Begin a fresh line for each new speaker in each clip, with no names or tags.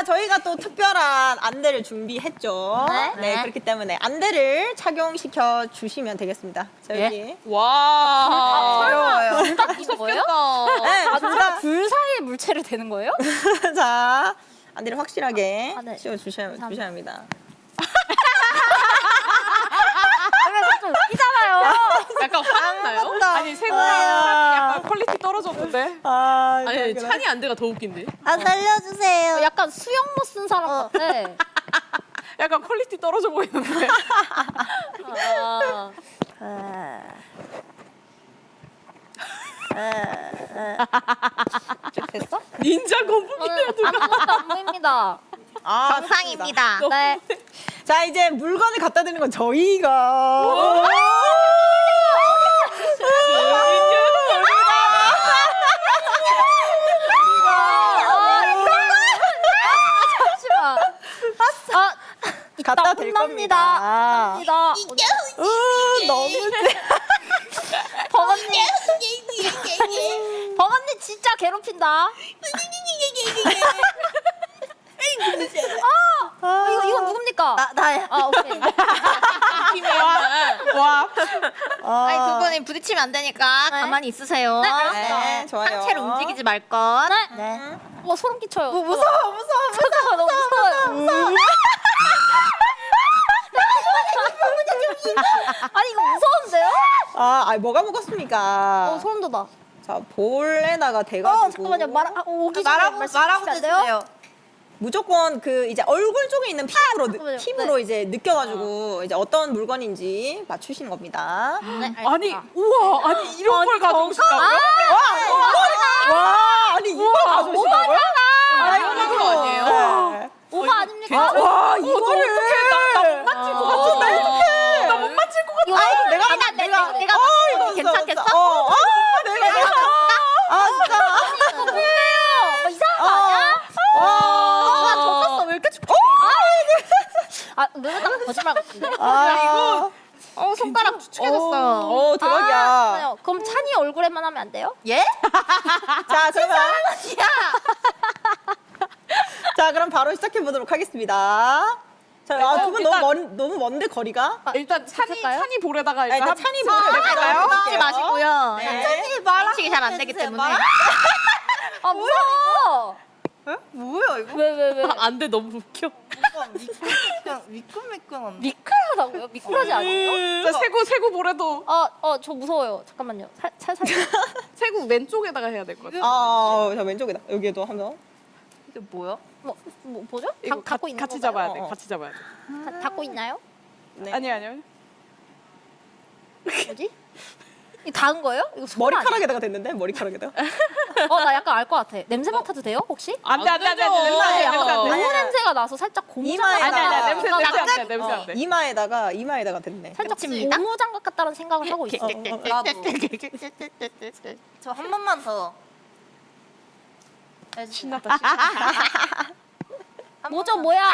자, 저희가 또 특별한 안대를 준비했죠.
네.
그렇기 때문에 안대를 착용시켜 주시면 되겠습니다. 자, 여기.
와.
어려워요.
둘다 무섭겠다.
네, 둘다
불 사이에 물체를 대는 거예요?
자, 안대를 확실하게
네.
씌워 주셔야 합니다.
좀 웃기잖아요.
약간 화났나요?
아니,
세구랑 약간 퀄리티 떨어졌는데.
아,
아니, 찬이 안대가 더 웃긴데.
아 살려주세요.
약간 수영모 쓴 사람 같아.
약간 퀄리티 떨어져 보이는데.
됐어?
닌자 거북이야, 누가.
아무것도 안 보입니다.
정상입니다.
네.
자, 이제 물건을 갖다 드리는 건 저희가.
잠시만.
갖다 될 겁니다.
혼납니다.
너무
버거님. 버거님 진짜 괴롭힌다. 이거 누굽니까?
나야.
아, 오케이.
와.
아니 두 분이 부딪히면 안 되니까 가만히 있으세요.
네, 알았어요.
네, 좋아요.
상체를 움직이지 말 것.
네.
네.
소름 끼쳐요.
무서워.
너무 무서워요. 아니 이거 무서운데요?
뭐가 무겁습니까?
소름 돋아.
자, 볼에다가 대가지고.
잠깐만요. 오기 전에
말하고
말씀하시면 안 돼요?
주세요.
무조건 그 이제 얼굴 쪽에 있는
잠깐만요.
피부로 이제 느껴가지고 이제 어떤 물건인지 맞추시는 겁니다.
네,
아니, 우와. 아니, 이런 걸 가져오신다고요?
와, 아니 이거 가져오시다고요?
이거 아니에요?
네.
오바 아닙니까?
와,
이거를 어떡해. 나 못 맞힐 것 같은데. 나 못 맞힐 것 같아.
이거
내가
이거 괜찮겠어?
아, 진짜.
뭐 이상한 거 아니야?
졌었어. 왜 이렇게 축해?
누르다가 거짓말 같은데?
이거.
손가락 축축해졌어요.
대박이야.
그럼 찬이 얼굴에만 하면 안 돼요?
예?
자, 그러면. 자, 그럼 바로 시작해 보도록 하겠습니다. 자, 두 분 너무 먼데 거리가?
일단 찬이 볼에다가 일단
일단 찬이 볼을
아,
볼까요?
지 마시고요.
네.
말치기 잘 안 되기 때문에.
아 무서워.
뭐야 이거?
왜?
안 돼, 너무 웃겨.
그냥 미끈미끈한데.
미끌하다고요? 미끌하지 않아요?
자, 세구 볼에도.
저 무서워요. 잠깐만요. 살살.
세구 왼쪽에다가 해야 될 것 같아.
자, 왼쪽에다. 여기에도 한번.
이게 뭐야?
뭐죠?
이거
갖고 있는
같이
건가요?
잡아야 돼. 같이 잡아야 돼.
닫고 있나요?
네.
아니요.
뭐지? 이 닿은 거예요? 이거 손 아니야?
머리카락에다가 됐는데? 머리카락에다가?
나 약간 알 것 같아. 냄새 맡아도 돼요? 혹시?
안 돼. 냄새 안 돼.
약간
냄새 안 돼.
고무 냄새가 나서 살짝 고무장갑
이마에다가-
아니야.
같다는
냄새 안
생각을
돼. 냄새 안 돼.
이마에다가 됐네.
살짝
그렇습니다.
고무장갑 같다는 생각을 하고 있어.
나도. 저 한 번만 더.
신났다.
뭐죠 뭐야?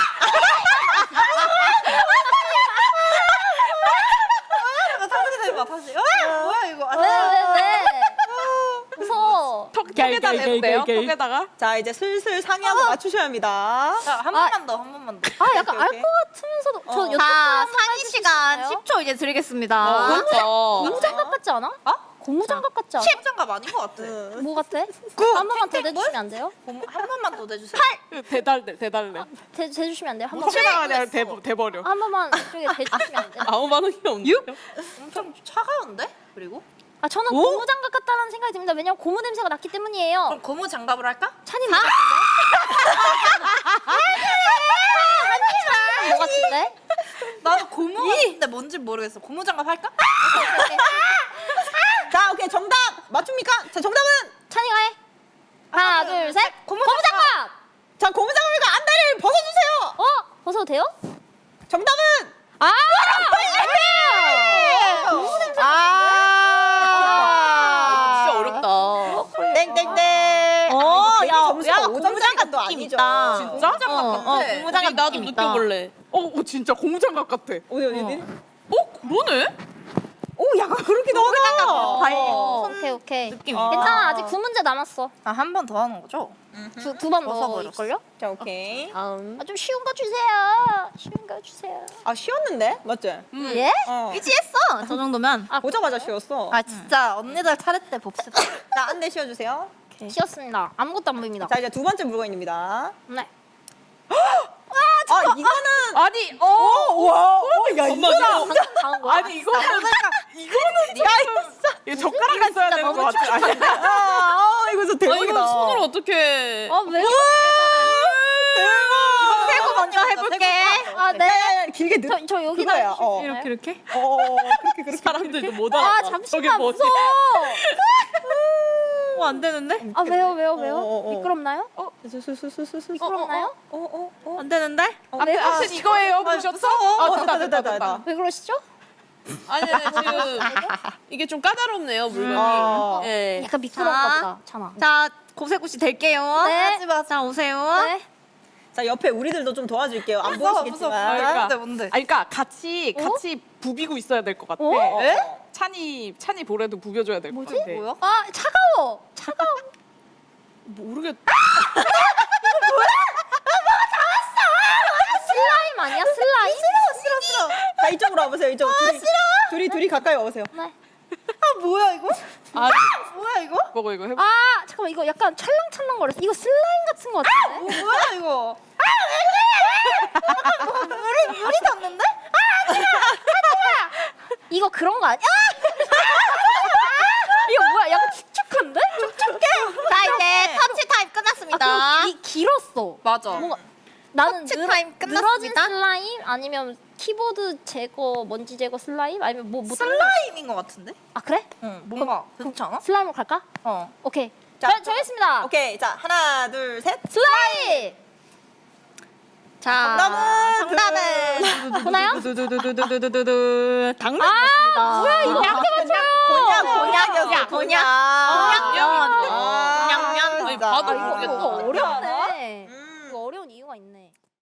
다시 해봐 다시. 뭐야 이거?
왜? 무서워.
턱에다 내도 돼요? 턱에다가?
자, 이제 슬슬 상의하고 맞추셔야 합니다.
한 번만 더, 한 번만 더.
약간 알
오케이.
것 같으면서도 저 여쭤보는
자,
거
상의 시간
해주시나요?
10초 이제 드리겠습니다.
그렇죠.
고무장갑 같지 않아? 고무장갑 같지 않아?
장갑 아닌 것 같아.
뭐 같아? 한 번만 더 대주시면 안 돼요?
한 번만 더 내주세요.
대달래.
대주시면 안 돼요? 한 번만.
턱에다가 그냥 대버려.
한 번만 이쪽에 대주시면 안 돼요?
아무 반응이 없네.
엄청 차가운데? 그리고?
저는 고무장갑 같다는 생각이 듭니다. 왜냐면 고무 냄새가 났기 때문이에요.
그럼 고무 장갑을 할까?
찬이 뭐 같은데? 뭐 같은데?
나도 고무 같은데 뭔지 모르겠어. 고무 장갑 할까?
자, 오케이. 정답 맞춥니까? 자, 정답은?
찬이가 해. 하나, 둘, 셋. 고무장갑!
자, 고무장갑이니까 안대를 벗어주세요.
벗어도 돼요?
정답은?
진짜 어렵다.
땡땡땡. 야, 고무장갑도 아니죠.
진짜?
고무장갑
나도
느낌 있다.
느껴볼래. 진짜 고무장갑 같아.
어디?
그러네?
오, 약간 그렇기도 하다.
오케이.
느낌이.
괜찮아. 아직 9문제 남았어.
한 번 더 하는 거죠?
두 번 더
벗어버렸어.
있걸요?
자, 오케이.
아, 좀 쉬운 거 주세요. 쉬운 거 주세요.
아, 쉬웠는데? 맞지?
예?
어.
위치했어. 저 정도면.
보자마자 쉬웠어.
아 진짜 언니들 차례때 봅시다.
자, 한 대 씌워주세요.
쉬었습니다. 아무것도 안 보입니다.
자, 이제 두 번째 물건입니다.
네.
아, 이거는.
아니,
와, 야,
엄마,
이거는.
이거-
당한 거야?
아니 이거는 이거 젓가락 있어야 되는 것 같아. 아니,
이거 진짜 대박이다.
이거 손으로 어떻게?
왜?
대박.
세고 먼저 해볼게.
아, 네.
길게 넣.
저 여기다
그거야,
해주실 수
어.
있나요?
이렇게?
그렇게.
사람들도 못 알아.
아, 잠시만
뭐지?
무서워.
안 되는데?
아, 왜요?
어.
미끄럽나요? 미끄럽나요?
안 되는데?
왜요?
앞에 이거예요. 보셨어? 됐다.
왜 그러시죠?
아니 지금 이게 좀 까다롭네요 물건이.
아.
예.
약간 미끄럽다 보다. 참아.
자 고세고시 될게요.
네.
하지마. 자 오세요.
네.
자, 옆에 우리들도 좀 도와줄게요. 안
무서워,
보이시겠지만.
그러니까.
뭔데?
아니, 그러니까 같이 부비고 있어야 될 것 같아.
어?
에? 찬이 볼에도 부벼줘야 될 것 같아.
뭐야?
아, 차가워.
모르겠.
슬라임 아니야? 슬라임?
싫어. 자, 이쪽으로 와보세요. 이쪽. 둘이 가까이 와보세요.
네.
아 뭐야 이거?
아,
뭐야 이거?
이거 해봐.
아, 잠깐만. 이거 약간 찰랑찰랑 거렸어. 이거 슬라임 같은 거 같은데?
뭐야 이거? 물이 닿는데?
이거 그런 거 아니야? 이거 뭐야? 약간 축축한데?
자 이제 터치 타임 끝났습니다.
이 길었어.
맞아.
뭔가 나는
터치 타임
늘어진
끝났습니다.
슬라임 아니면 키보드 제거 먼지 제거 슬라임 아니면 뭐
슬라임인 것 같은데?
아 그래?
응 뭔가 그렇지 않아?
슬라임으로 갈까?
어.
오케이.
자,
자, 정했습니다.
오케이. 자, 하나, 둘, 셋.
슬라임.
자 정답은
보나요?
당근.
아, 뭐야 이거?
곤약이었어.
곤약.
곤약.
곤약면.
아,
아니,
진짜.
봐도
이거
모르겠다.
어렵네.